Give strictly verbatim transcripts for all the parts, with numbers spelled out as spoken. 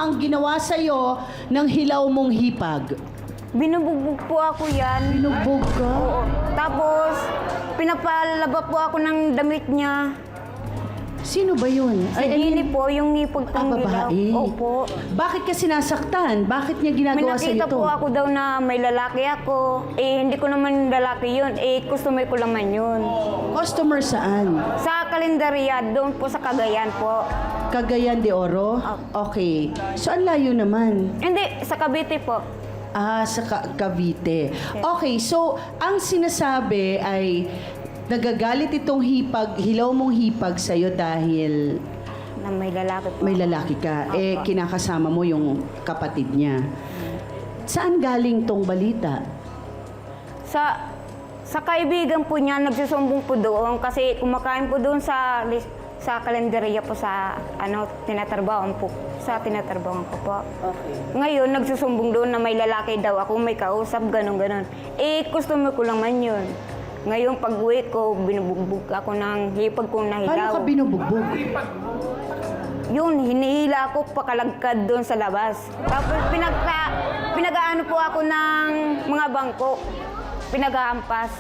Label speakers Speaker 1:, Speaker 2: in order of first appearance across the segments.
Speaker 1: ang ginawa sa'yo ng hilaw mong hipag?
Speaker 2: Binubugbog po ako yan.
Speaker 1: Binugbog ka?
Speaker 2: Oo. Tapos, pinapalaba po ako ng damit niya.
Speaker 1: Sino ba yun?
Speaker 2: Si Jenny po, yung hipag
Speaker 1: Ah,
Speaker 2: pang dilaw.
Speaker 1: babae.
Speaker 2: Opo.
Speaker 1: Bakit ka sinasaktan? Bakit niya
Speaker 2: May
Speaker 1: ginagawa sa'yo
Speaker 2: nakita
Speaker 1: ito?
Speaker 2: po ako daw na may lalaki ako. Eh, hindi ko naman lalaki yun. Eh, customer ko naman yun.
Speaker 1: Customer saan?
Speaker 2: Sa kalendarya, doon po sa Cagayan po.
Speaker 1: Cagayan de Oro? Okay. So, ang layo naman.
Speaker 2: Hindi, sa Cavite po.
Speaker 1: Ah, sa Ka- Cavite. Okay, so, ang sinasabi ay nagagalit itong hipag, hilaw mong hipag sa'yo dahil
Speaker 2: Na may lalaki po.
Speaker 1: may lalaki ka. Eh, kinakasama mo yung kapatid niya. Saan galing tong balita?
Speaker 2: Sa sa kaibigan po niya, nagsusumbong po doon kasi kumakain po doon sa lis- sa kalendarya po sa ano, tinatrabahoan po. Sa tinatrabahoan ko po.
Speaker 1: Okay.
Speaker 2: Ngayon, nagsusumbong doon na may lalaki daw ako, may kausap, ganun ganon. Eh, customer ko lang man yun. Ngayon, pag uwi ko, binubugbog ako ng hipag kong
Speaker 1: Paano
Speaker 2: nahilaw.
Speaker 1: ka binubugbog?
Speaker 2: Yun, hinihila ako pakalagkad doon sa labas. Tapos pinagka, pinag-aano po ako ng mga bangko. Pinag-aampas.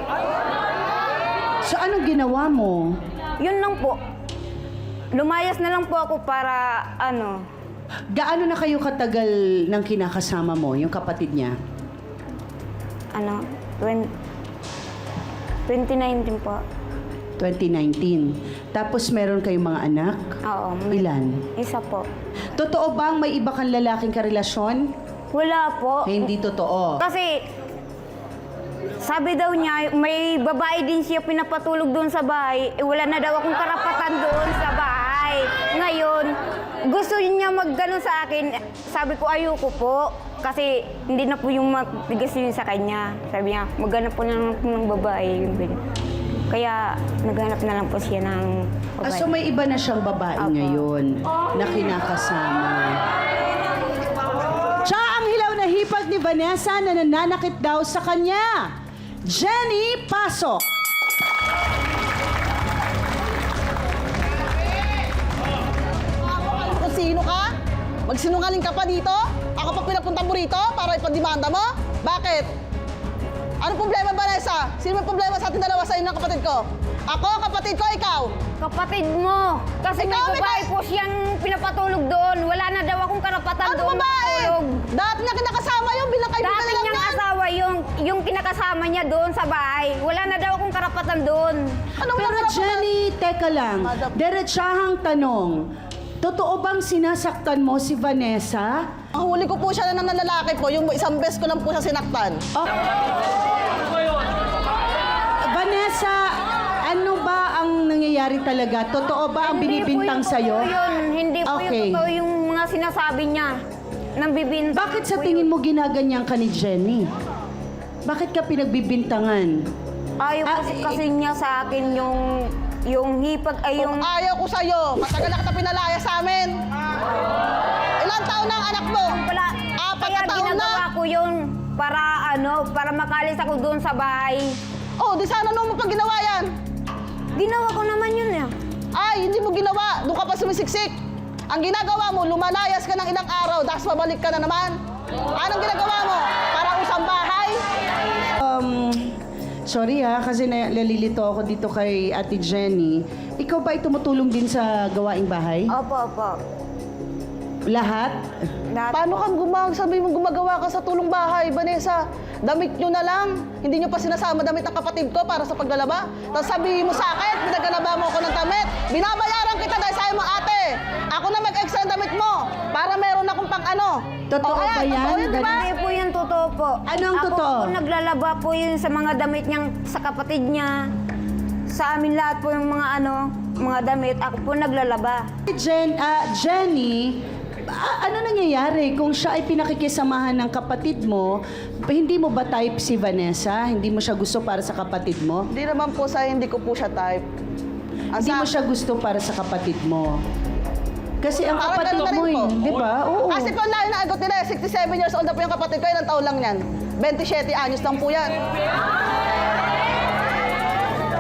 Speaker 1: So, anong ginawa mo?
Speaker 2: Yun lang po. Lumayas na lang po ako para ano.
Speaker 1: Gaano na kayo katagal ng kinakasama mo, yung kapatid niya?
Speaker 2: Ano, twen- twenty nineteen po.
Speaker 1: twenty nineteen. Tapos meron kayong mga anak?
Speaker 2: Oo. may-
Speaker 1: Ilan?
Speaker 2: Isa po.
Speaker 1: Totoo bang may iba kang lalaking karelasyon?
Speaker 2: Wala po.
Speaker 1: Eh, hindi totoo.
Speaker 2: Kasi, sabi daw niya, may babae din siya pinapatulog doon sa bahay. Eh, wala na daw akong karapatan doon sa bahay. Ngayon, gusto niya magganon sa akin. Sabi ko, ayoko po. Kasi hindi na po yung matigas yun sa kanya. Sabi niya, maghanap po na lang po ng babae. Yung ganyan. Kaya, naghanap na lang po siya ng
Speaker 1: Ah,
Speaker 2: babae.
Speaker 1: so may iba na siyang babae
Speaker 2: Apo.
Speaker 1: ngayon na kinakasama. Siya ang hilaw na hipag ni Vanessa na nananakit daw sa kanya. Jenny, pasok!
Speaker 3: Kung sino ka? Magsinungaling ka pa dito? Ako pa pinapunta mo rito para ipadimanda mo? Bakit? Ano problema, Vanessa? Sino may problema sa ating dalawa sa inyo ng kapatid ko? Ako, kapatid ko, ikaw?
Speaker 2: Kapatid mo! Kasi may
Speaker 3: Ikaw, may
Speaker 2: babae
Speaker 3: ka-
Speaker 2: po siyang pinapatulog doon. Wala na daw akong karapatan
Speaker 3: Ano
Speaker 2: doon
Speaker 3: babae?
Speaker 2: matulog.
Speaker 3: Dati niya kinakasama yung bilang kaibigan
Speaker 2: Dati
Speaker 3: na lang
Speaker 2: niyang
Speaker 3: yan.
Speaker 2: asawa yung, yung kinakasama niya doon sa bahay. Wala na daw akong karapatan doon.
Speaker 3: Ano
Speaker 1: Pero
Speaker 3: mga
Speaker 1: Jenny, teka lang.
Speaker 3: Madam.
Speaker 1: Diretsahang tanong. Totoo bang sinasaktan mo si Vanessa?
Speaker 3: Ang huli ko po siya na ng lalaki po, yung isang beses ko lang po siya sinaktan.
Speaker 1: Oh. Vanessa, ano ba ang nangyayari talaga? Totoo ba ang
Speaker 2: Hindi po
Speaker 1: binibintang
Speaker 2: yung
Speaker 1: sa'yo?
Speaker 2: totoo Yun. Hindi po
Speaker 1: Okay.
Speaker 2: yung totoo yung mga sinasabi niya. Nang bibintang
Speaker 1: Bakit sa
Speaker 2: po
Speaker 1: tingin
Speaker 2: yun.
Speaker 1: mo ginaganyan ka ni Jenny? Bakit ka pinagbibintangan?
Speaker 2: Ayaw
Speaker 1: Ah,
Speaker 2: kasi,
Speaker 1: eh,
Speaker 2: kasi niya sa akin yung yung hipag ay yung
Speaker 3: Kung ayaw ko sa'yo, matagal na kita pinalaya sa amin. Ilang taon na ang anak mo?
Speaker 2: pala.
Speaker 3: Apat
Speaker 2: Kaya
Speaker 3: na taon na.
Speaker 2: ginagawa ko yun para ano, para makalis ako doon sa bahay.
Speaker 3: Oh, di sana nung mo pag ginawa yan.
Speaker 2: Ginawa ko naman yun eh.
Speaker 3: Ay, hindi mo ginawa. Doon ka pa sumisiksik. Ang ginagawa mo, lumalayas ka ng ilang araw, tapos mabalik ka na naman. Anong ginagawa mo? Para usang bahay?
Speaker 1: Um, sorry ha, kasi na- nalilito ako dito kay Ate Jenny. Ikaw ba ay tumutulong din sa gawaing bahay?
Speaker 2: Opo, opo.
Speaker 1: Lahat?
Speaker 2: Lahat
Speaker 3: Paano kang gumag sabi mo gumagawa ka sa tulong bahay, Vanessa? Damit nyo na lang. Hindi nyo pa sinasama damit ng kapatid ko para sa paglalaba. Tapos sabihin mo sa akin, pinagalaba mo ako ng damit. Binabayaran kita dahil sa'yo mo, ate. Ako na mag-extra ng damit mo para meron akong pang ano.
Speaker 1: Totoo
Speaker 3: O,
Speaker 1: ba
Speaker 3: ayan,
Speaker 1: yan?
Speaker 3: Totoo yun, di ba?
Speaker 2: Hindi po yun totoo po.
Speaker 1: Ano ang
Speaker 2: Ako
Speaker 1: totoo?
Speaker 2: po naglalaba po yun sa mga damit niyang sa kapatid niya. Sa amin lahat po yung mga ano, mga damit. Ako po naglalaba.
Speaker 1: Jen, ah, Jenny, a- ano nangyayari kung siya ay pinakikisamahan ng kapatid mo? Hindi mo ba type si Vanessa? Hindi mo siya gusto para sa kapatid mo?
Speaker 3: Hindi naman po sa hindi ko po siya type. Ang
Speaker 1: Hindi
Speaker 3: sa-
Speaker 1: mo siya gusto para sa kapatid mo? Kasi ang
Speaker 3: Parang
Speaker 1: kapatid
Speaker 3: ganun na
Speaker 1: mo,
Speaker 3: rin po.
Speaker 1: eh, di ba? Oo.
Speaker 3: Kasi po ang layo na agot nila, sixty-seven years old na po yung kapatid ko, ilang taon lang yan. twenty-seven anyos lang po yan.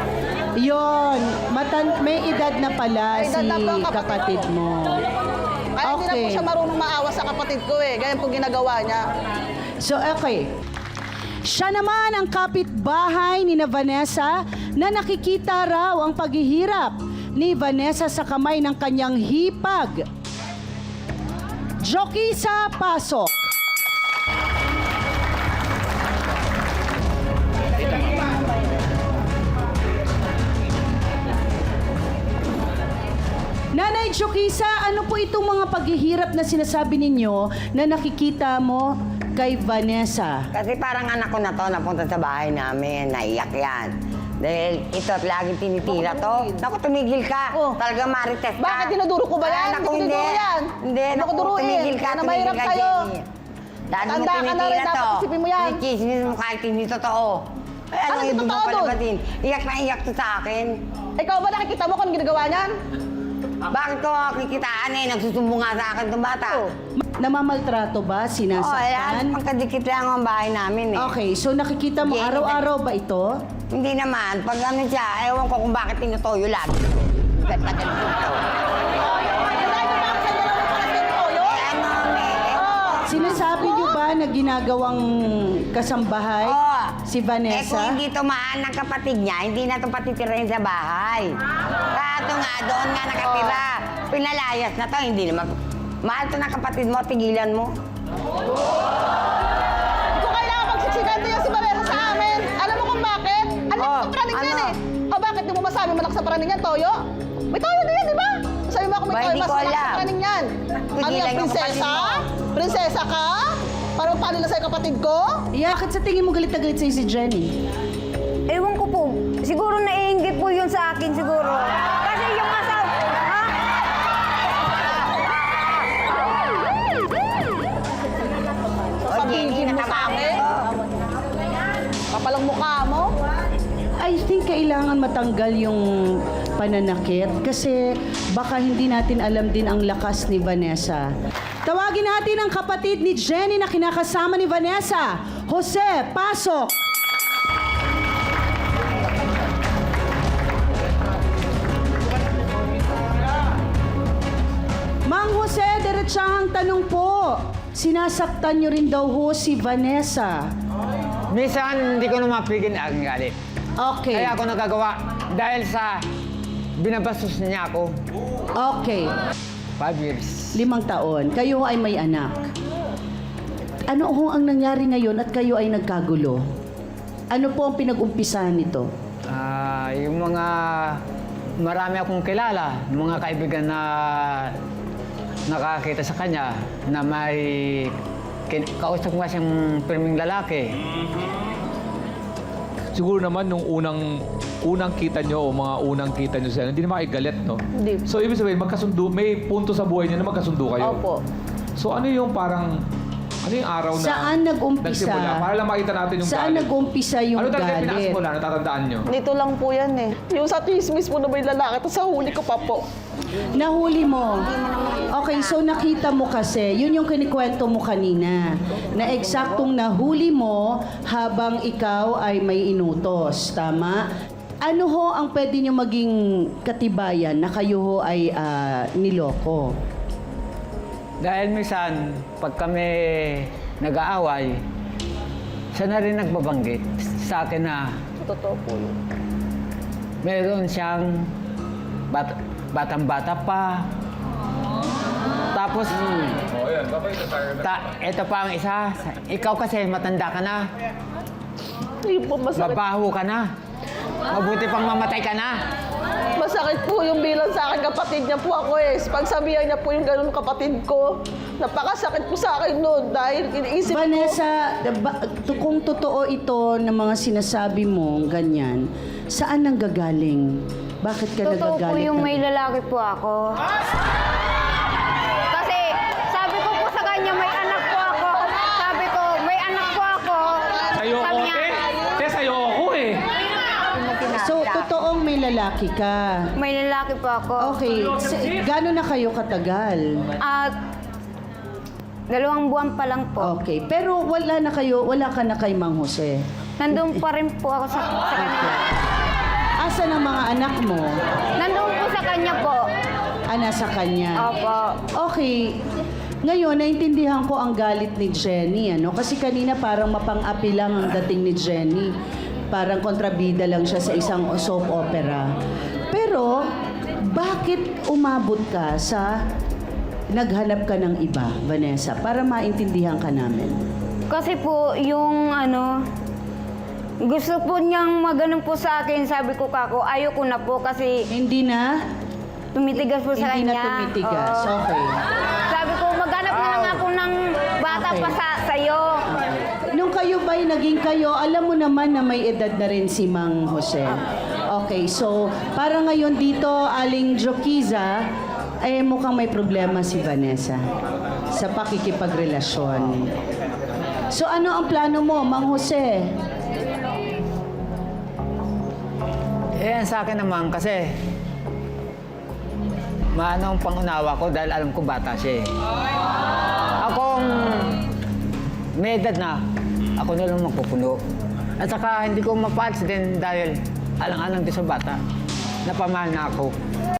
Speaker 1: Yon, matan may edad na pala
Speaker 3: May edad
Speaker 1: si
Speaker 3: na po ang
Speaker 1: kapatid
Speaker 3: kapatid
Speaker 1: mo.
Speaker 3: Kaya hindi na po
Speaker 1: Okay.
Speaker 3: siya marunong maawa sa kapatid ko eh. Ganyan po ginagawa niya.
Speaker 1: So, okay. Siya naman ang kapitbahay ni na Vanessa na nakikita raw ang paghihirap ni Vanessa sa kamay ng kanyang hipag. Jokisa, pasok. Nanay Jokisa, ano po itong mga paghihirap na sinasabi ninyo na nakikita mo kay Vanessa?
Speaker 4: Kasi parang anak ko na to, napunta sa bahay namin, naiyak yan. Dahil ito at laging tinitira to. Naku, tumigil ka.
Speaker 3: Oh.
Speaker 4: Talaga marites ka.
Speaker 3: Bakit dinuduro ko ba yan?
Speaker 4: Ah, naku,
Speaker 3: Hindi
Speaker 4: hindi.
Speaker 3: dinuduro yan.
Speaker 4: Hindi,
Speaker 3: Hindi ko
Speaker 4: naku,
Speaker 3: duruin.
Speaker 4: tumigil ka,
Speaker 3: Kaya na
Speaker 4: tumigil
Speaker 3: mahirap
Speaker 4: ka,
Speaker 3: kayo.
Speaker 4: Jenny. Dahil mo
Speaker 3: Tanda ka na rin,
Speaker 4: tinitira
Speaker 3: dapat
Speaker 4: to.
Speaker 3: isipin mo yan.
Speaker 4: Kinikismis mo kahit hindi totoo. Eh, ano
Speaker 3: Ano
Speaker 4: yung
Speaker 3: totoo
Speaker 4: mo pala
Speaker 3: dun?
Speaker 4: ba din? Iyak na iyak to sa akin.
Speaker 3: Ikaw ba nakikita mo kung ano ginagawa niyan?
Speaker 4: Bakit ko kikitaan eh? Nagsusumbong nga sa akin itong bata.
Speaker 3: Oh.
Speaker 1: Namamaltrato ba?
Speaker 4: Oh, lahat
Speaker 1: Sinasaktan?
Speaker 4: pagkadikit lang ang bahay namin eh.
Speaker 1: Okay, so nakikita mo
Speaker 4: Jenny,
Speaker 1: araw-araw ba ito?
Speaker 4: Hindi naman. Pag ano siya, ewan ko kung bakit tinutoyo lagi. Ba't pa ganito? Eh, ano, eh.
Speaker 1: Sinasabi niyo ba na ginagawang kasambahay
Speaker 4: Oo.
Speaker 1: si
Speaker 4: Eh kung
Speaker 1: Vanessa?
Speaker 4: hindi tumaan ng kapatid niya, hindi na ito patitirahin sa bahay. Kato nga, doon nga nakatira. Pinalayas na to, hindi naman. Mahal to ng kapatid mo, tigilan mo.
Speaker 3: Hindi ko kailangan magsiksikan niya si Vanessa sa amin. Alam mo kung bakit? Alam
Speaker 4: Oh,
Speaker 3: mo sa praning yan
Speaker 4: ano?
Speaker 3: eh. O bakit di mo masabi malak sa praning yan, Toyo? May Toyo din yan, di ba? Sabi mo ako may
Speaker 4: Ba,
Speaker 3: Toyo,
Speaker 4: hindi
Speaker 3: mas
Speaker 4: ko
Speaker 3: malak sa
Speaker 4: alam.
Speaker 3: praning yan. Ano
Speaker 4: Tigilan
Speaker 3: yan,
Speaker 4: yung kapatid
Speaker 3: prinsesa?
Speaker 4: mo.
Speaker 3: Prinsesa ka? Parang palo na sa'yo kapatid ko?
Speaker 1: Yeah, bakit sa tingin mo galit na galit sa'yo si Jenny?
Speaker 2: Ewan ko po. Siguro naiinggit po yun sa akin siguro. Kasi yung asawa... Ha?
Speaker 3: Sasabihin
Speaker 4: Jenny,
Speaker 3: mo sa
Speaker 4: natamaan
Speaker 3: akin?
Speaker 4: ko.
Speaker 3: Kapalang mukha mo?
Speaker 1: I think kailangan matanggal yung pananakit kasi baka hindi natin alam din ang lakas ni Vanessa. Tawagin natin ang kapatid ni Jenny na kinakasama ni Vanessa. Jose, pasok! Mang Jose, diretsahang tanong po. Sinasaktan niyo rin daw ho si Vanessa.
Speaker 5: Minsan, hindi ko na mapigil ang galit.
Speaker 1: Okay.
Speaker 5: Kaya ako nagagawa dahil sa binabastos niya ako.
Speaker 1: Okay.
Speaker 5: Five years.
Speaker 1: Limang taon. Kayo ay may anak. Ano ho ang nangyari ngayon at kayo ay nagkagulo? Ano po ang pinag-umpisahan nito?
Speaker 5: Ah, yung mga marami akong kilala, mga kaibigan na nakakita sa kanya na may kin- kausap nga siyang pirming lalaki.
Speaker 6: Siguro naman nung unang unang kita nyo o mga unang kita nyo sa hindi naman kayo galit, no?
Speaker 3: Hindi.
Speaker 6: So, ibig sabihin, magkasundo, may punto sa buhay niyo na magkasundo kayo.
Speaker 3: Opo.
Speaker 6: So, ano yung parang, ano yung araw na
Speaker 1: Saan nag-umpisa?
Speaker 6: nagsimula? Para lang makita natin yung
Speaker 1: Saan
Speaker 6: galit.
Speaker 1: nag-umpisa yung
Speaker 6: Ano talaga yung
Speaker 1: galit?
Speaker 6: pinasimula? Natatandaan nyo?
Speaker 3: Dito lang po yan eh. Yung sa chismis mo na may lalaki, tapos sa huli ko pa po.
Speaker 1: Nahuli mo. Okay, so nakita mo kasi, yun yung kinikwento mo kanina, na eksaktong nahuli mo habang ikaw ay may inutos. Tama? Ano ho ang pwede nyo maging katibayan na kayo ho ay ah, niloko?
Speaker 5: Dahil minsan, pag kami nag-aaway, siya na rin nagbabanggit sa akin na
Speaker 3: Totoo po yun.
Speaker 5: meron siyang bat batang-bata pa. Tapos, ta ito pa ang isa, ikaw kasi matanda ka na,
Speaker 3: Hindi po masakit.
Speaker 5: babaho ka na, mabuti pang mamatay ka na.
Speaker 3: Masakit po yung bilang sa akin, kapatid niya po ako eh. Pagsabihan niya po yung ganun kapatid ko. Napakasakit po sa akin noon dahil iniisip ko.
Speaker 1: Vanessa, ba- to- kung totoo ito ng mga sinasabi mo, ganyan, saan nang gagaling? Bakit ka
Speaker 2: Totoo po
Speaker 1: nagagalit?
Speaker 2: yung
Speaker 1: na-
Speaker 2: may lalaki po ako. Kasi sabi ko po sa kanya, may anak po ako. Sabi ko, may anak po ako.
Speaker 6: Sa'yo
Speaker 2: Sabi
Speaker 6: ako,
Speaker 2: niya,
Speaker 6: eh. Te, sa'yo ako eh.
Speaker 1: So, totoong may lalaki ka.
Speaker 2: may lalaki po ako.
Speaker 1: Okay, si- gano'n na kayo katagal?
Speaker 2: At dalawang buwan pa lang po.
Speaker 1: Okay, pero wala na kayo, wala ka na kay Mang Jose.
Speaker 2: Nandun pa rin po ako sa, sa kanila.
Speaker 1: Asan ang mga anak mo?
Speaker 2: Nandun po sa kanya po.
Speaker 1: nasa kanya.
Speaker 2: Opo.
Speaker 1: Okay. Ngayon, naintindihan ko ang galit ni Jenny, ano? Kasi kanina parang mapang-api lang ang dating ni Jenny. Parang kontrabida lang siya sa isang soap opera. Pero, bakit umabot ka sa naghanap ka ng iba, Vanessa? Para maintindihan ka namin.
Speaker 2: Kasi po, yung ano, gusto po niyang maganon po sa akin. Sabi ko, kako, ayoko na po kasi
Speaker 1: Hindi na?
Speaker 2: tumitigas po sa
Speaker 1: Hindi
Speaker 2: kanya.
Speaker 1: na tumitigas.
Speaker 2: Oo.
Speaker 1: Okay.
Speaker 2: Sabi ko, maghanap na lang ako ng bata
Speaker 1: Okay.
Speaker 2: pa sa sa'yo.
Speaker 1: Nung kayo ba'y naging kayo, alam mo naman na may edad na rin si Mang Jose. Okay, so para ngayon dito, Aling Jokiza, eh mukhang may problema si Vanessa sa pakikipagrelasyon. So ano ang plano mo, Mang Jose?
Speaker 5: Eh, sa akin naman kasi maano ang pangunawa ko dahil alam ko bata siya eh. Akong may edad na, ako na lang magpupuno. At saka hindi ko mapaalis din dahil alang-alang din sa bata. Napamahal na ako.